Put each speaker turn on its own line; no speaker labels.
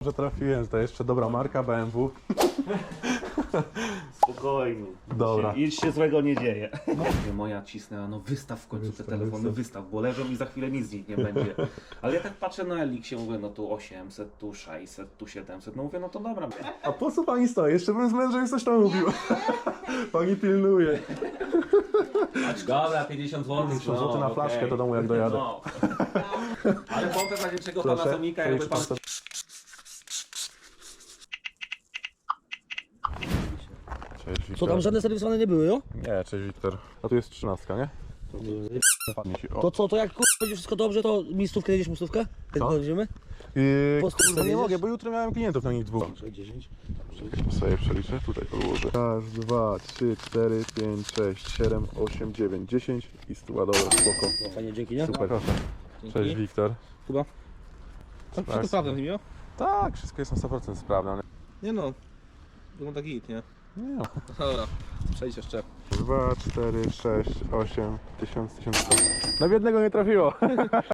że trafiłem, to jeszcze dobra marka BMW.
Spokojnie.
Dobra.
Nic się złego nie dzieje. Moja cisnęła, no wystaw w końcu te telefony, wystaw, bo leżą i za chwilę nic z nich nie będzie. Ale ja tak patrzę na Elixie, mówię, no tu 800, tu 600, tu 700, no mówię, no to dobra.
A po co pani stoi? Jeszcze bym z mężem coś tam mówił. Pani pilnuje.
Dobra, 50 zł.
50 zł na flaszkę do domu jak dojadę.
No. Ale pompę dla większego
Proszę,
Panasonica, jakby
policzę
pan...
pan sobie. Cześć, Wiktor.
Co tam, żadne serwisowane nie były, jo?
Nie, cześć Wiktor. A tu jest 13, nie? Padnie ci. O.
To jak będzie wszystko dobrze, to miejscówkę jedziesz, miejscówkę?
Co?
Będziemy?
Kurde, nie
jedziesz?
mogę, bo jutro miałem klientów na nich dwóch.
10.
Sobie przeliczę, tutaj podłożę. Raz, 2, 3, 4, 5, 6, 7, 8, 9, 10 i stuła dobra, spoko.
No, fajnie, dzięki, nie?
Super, proszę. Cześć Wiktor.
Chyba.
Tak.
Wszystko sprawdzam z nimi, jo?
Tak, wszystko jest na 100% sprawne, ale
Nie no. Wygląda git, nie?
nie no.
Dobra, przejdź jeszcze.
2, 4, 6, 8, 1000, 1100. Na biednego nie trafiło.